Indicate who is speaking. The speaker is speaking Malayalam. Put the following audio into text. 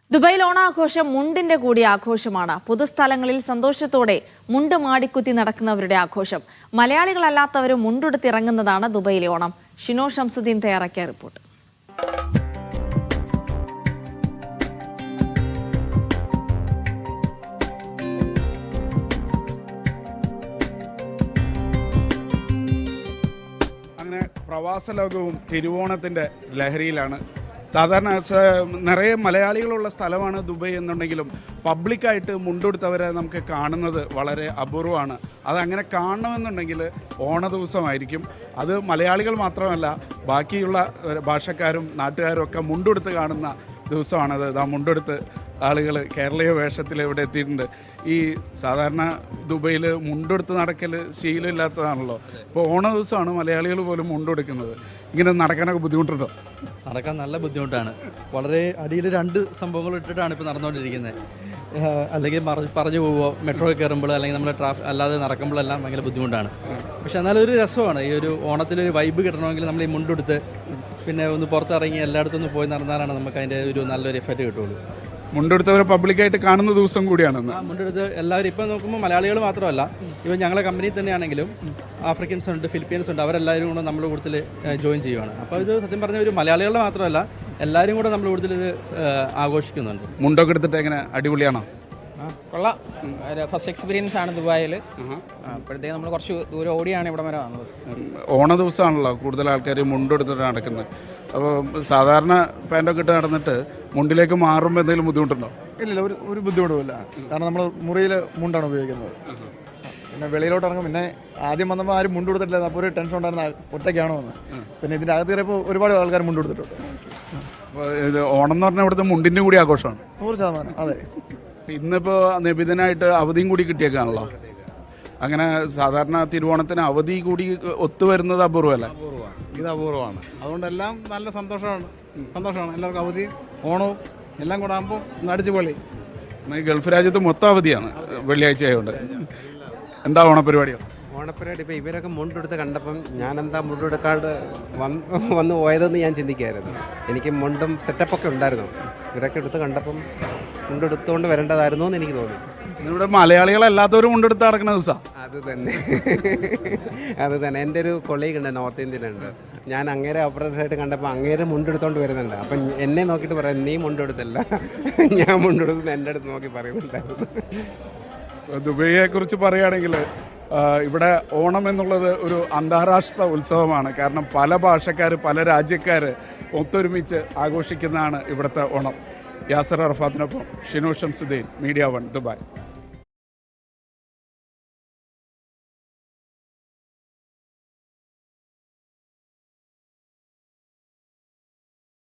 Speaker 1: ദുബായിൽ ഓണാഘോഷം മുണ്ടിന്റെ കൂടി ആഘോഷമാണ്. പൊതുസ്ഥലങ്ങളിൽ സന്തോഷത്തോടെ മുണ്ട് മാടിക്കുത്തി നടക്കുന്നവരുടെ ആഘോഷം. മലയാളികളല്ലാത്തവരും മുണ്ടെടുത്തിറങ്ങുന്നതാണ് ദുബായിലെ ഓണം. ഷിനോ ഷംസുദ്ദീൻ തയ്യാറാക്കിയ റിപ്പോർട്ട്.
Speaker 2: അങ്ങനെ പ്രവാസ ലോകവും തിരുവോണത്തിൻ്റെ ലഹരിയിലാണ്. സാധാരണ നിറയെ മലയാളികളുള്ള സ്ഥലമാണ് ദുബായ് എന്നുണ്ടെങ്കിലും പബ്ലിക്കായിട്ട് മുണ്ടെടുത്തവരെ നമുക്ക് കാണുന്നത് വളരെ അപൂർവമാണ്. അതങ്ങനെ കാണണമെന്നുണ്ടെങ്കിൽ ഓണ ദിവസമായിരിക്കും. അത് മലയാളികൾ മാത്രമല്ല, ബാക്കിയുള്ള ഭാഷക്കാരും നാട്ടുകാരും ഒക്കെ മുണ്ടെടുത്ത് കാണുന്ന ദിവസമാണത്. മുണ്ടെടുത്ത് ആളുകൾ കേരളീയ വേഷത്തിൽ ഇവിടെ എത്തിയിട്ടുണ്ട്. ഈ സാധാരണ ദുബൈയിൽ മുണ്ടെടുത്ത് നടക്കൽ ശീലമില്ലാത്തതാണല്ലോ. ഇപ്പോൾ ഓണ ദിവസമാണ് മലയാളികൾ പോലും മുണ്ടെടുക്കുന്നത്. ഇങ്ങനെ നടക്കാനൊക്കെ ബുദ്ധിമുട്ടുണ്ടോ?
Speaker 3: നടക്കാൻ നല്ല ബുദ്ധിമുട്ടാണ്. വളരെ അടിയിൽ രണ്ട് സംഭവങ്ങൾ ഇട്ടിട്ടാണ് ഇപ്പോൾ നടന്നുകൊണ്ടിരിക്കുന്നത്. അല്ലെങ്കിൽ പറഞ്ഞു പോവുമോ, മെട്രോ കയറുമ്പോൾ അല്ലെങ്കിൽ നമ്മൾ അല്ലാതെ നടക്കുമ്പോഴെല്ലാം ഭയങ്കര ബുദ്ധിമുട്ടാണ്. പക്ഷെ എന്നാലും ഒരു രസമാണ്. ഈ ഒരു ഓണത്തിലൊരു വൈബ് കിട്ടണമെങ്കിൽ നമ്മൾ ഈ മുണ്ടെടുത്ത് പിന്നെ ഒന്ന് പുറത്തിറങ്ങി എല്ലായിടത്തും ഒന്ന് പോയി നടന്നാലാണ് നമുക്ക് അതിൻ്റെ ഒരു നല്ലൊരു എഫക്റ്റ് കിട്ടുള്ളൂ.
Speaker 2: മുണ്ടെടുത്തവരെ പബ്ലിക്കായിട്ട് കാണുന്ന ദിവസം കൂടിയാണെന്ന്.
Speaker 3: മുണ്ടെടുത്ത് എല്ലാവരും ഇപ്പം നോക്കുമ്പോൾ മലയാളികൾ മാത്രമല്ല, ഇവൻ ഞങ്ങളെ കമ്പനിയിൽ തന്നെയാണെങ്കിലും ആഫ്രിക്കൻസ് ഉണ്ട്, ഫിലിപ്പീൻസ് ഉണ്ട്, അവരെല്ലാവരും കൂടെ നമ്മുടെ കൂട്ടത്തിൽ ജോയിൻ ചെയ്യുവാണ്. അപ്പോൾ ഇത് സത്യം പറഞ്ഞ ഒരു മലയാളികളുടെ മാത്രമല്ല, എല്ലാവരും കൂടെ നമ്മുടെ കൂട്ടത്തിൽ ഇത് ആഘോഷിക്കുന്നുണ്ട്.
Speaker 2: മുണ്ടൊക്കെ എടുത്തിട്ട് എങ്ങനെ അടിപൊളിയാണോ?
Speaker 4: കൊള്ളാം. ഫസ്റ്റ് എക്സ്പീരിയൻസ് ആണ് ദുബായിൽ. അപ്പോഴത്തേക്ക് നമ്മൾ കുറച്ച് ദൂരം ഓടിയാണ് ഇവിടെ വരെ വന്നത്.
Speaker 2: ഓണ ദിവസമാണല്ലോ കൂടുതൽ ആൾക്കാർ മുണ്ടെടുത്തിട്ട് നടക്കുന്നത്. അപ്പോൾ സാധാരണ പാൻറ്റൊക്കെ ഇട്ട് നടന്നിട്ട് മുണ്ടിലേക്ക് മാറുമ്പോൾ എന്തെങ്കിലും ബുദ്ധിമുട്ടുണ്ടോ?
Speaker 5: ഇല്ല, ഒരു ബുദ്ധിമുട്ടുമില്ല. കാരണം നമ്മൾ മുറിയിൽ മുണ്ടാണ് ഉപയോഗിക്കുന്നത്. പിന്നെ വെളിയിലോട്ട് ഇറങ്ങും. പിന്നെ ആദ്യം വന്നപ്പോൾ ആരും മുണ്ട് കൊടുത്തിട്ടില്ല. അപ്പോൾ ഒരു ടെൻഷൻ ഉണ്ടായിരുന്ന ഒറ്റയ്ക്കാണോ എന്ന്. പിന്നെ ഇതിൻ്റെ അകത്ത് കയറിയപ്പോൾ ഒരുപാട് ആൾക്കാർ മുണ്ട് കൊടുത്തിട്ടുണ്ട്.
Speaker 2: അപ്പോൾ ഇത് ഓണം എന്ന് പറഞ്ഞാൽ ഇവിടുത്തെ മുണ്ടിൻ്റെ കൂടി ആഘോഷമാണ്.
Speaker 5: 100%. അതെ.
Speaker 2: ഇന്നിപ്പോൾ നിബിധനായിട്ട് അവധിയും കൂടി കിട്ടിയേക്കാണല്ലോ. അങ്ങനെ സാധാരണ തിരുവോണത്തിന് അവധി കൂടി ഒത്തുവരുന്നത് അപൂർവമല്ല.
Speaker 6: ഇത് അപൂർവമാണ്. അതുകൊണ്ടെല്ലാം നല്ല സന്തോഷമാണ്. എല്ലാവർക്കും അവധിയും ഓണവും എല്ലാം കൂടെ ആകുമ്പോൾ അടിച്ചു പൊളി.
Speaker 2: ഗൾഫ് രാജ്യത്ത് മൊത്തം അവധിയാണ് വെള്ളിയാഴ്ച ആയതുകൊണ്ട്. എന്താ ഓണപരിപാടിയോ?
Speaker 7: ഓണപ്പരിപാടി ഇപ്പോൾ ഇവരൊക്കെ മുണ്ടെടുത്ത് കണ്ടപ്പം ഞാനെന്താ മുണ്ടെടുക്കാണ്ട് വന്ന് പോയതെന്ന് ഞാൻ ചിന്തിക്കുകയായിരുന്നു. എനിക്ക് മുണ്ടും സെറ്റപ്പൊക്കെ ഉണ്ടായിരുന്നു. ഇവരൊക്കെ എടുത്ത് കണ്ടപ്പം മുണ്ടെടുത്തുകൊണ്ട് വരേണ്ടതായിരുന്നു എന്ന് എനിക്ക് തോന്നി.
Speaker 2: ഇവിടെ മലയാളികളല്ലാത്തവരും മുണ്ടെടുത്ത് നടക്കുന്ന ദിവസമാണ്.
Speaker 7: അത് തന്നെ എൻ്റെ ഒരു കൊളീഗ് ഉണ്ട്, നോർത്ത് ഇന്ത്യൻ ഉണ്ട്. ഞാൻ അങ്ങേരെ ഓപ്പറേഷനായിട്ട് കണ്ടപ്പോൾ അങ്ങേരെ മുണ്ടെടുത്തോണ്ട് വരുന്നുണ്ട്. അപ്പം എന്നെ നോക്കിയിട്ട് പറയാം, നീ മുണ്ടെടുത്തല്ല, ഞാൻ മുണ്ടെടുത്ത് എൻ്റെ അടുത്ത് നോക്കി പറയുന്നുണ്ടായിരുന്നു.
Speaker 2: ദുബൈയെ കുറിച്ച് പറയുകയാണെങ്കിൽ ഇവിടെ ഓണം എന്നുള്ളത് ഒരു അന്താരാഷ്ട്ര ഉത്സവമാണ്. കാരണം പല ഭാഷക്കാർ, പല രാജ്യക്കാർ ഒത്തൊരുമിച്ച് ആഘോഷിക്കുന്നതാണ് ഇവിടുത്തെ ഓണം. യാസർ അറഫാത്തിനൊപ്പം ഷിനോ ഷംസുദ്ദീൻ, മീഡിയ 1 ദുബായ്.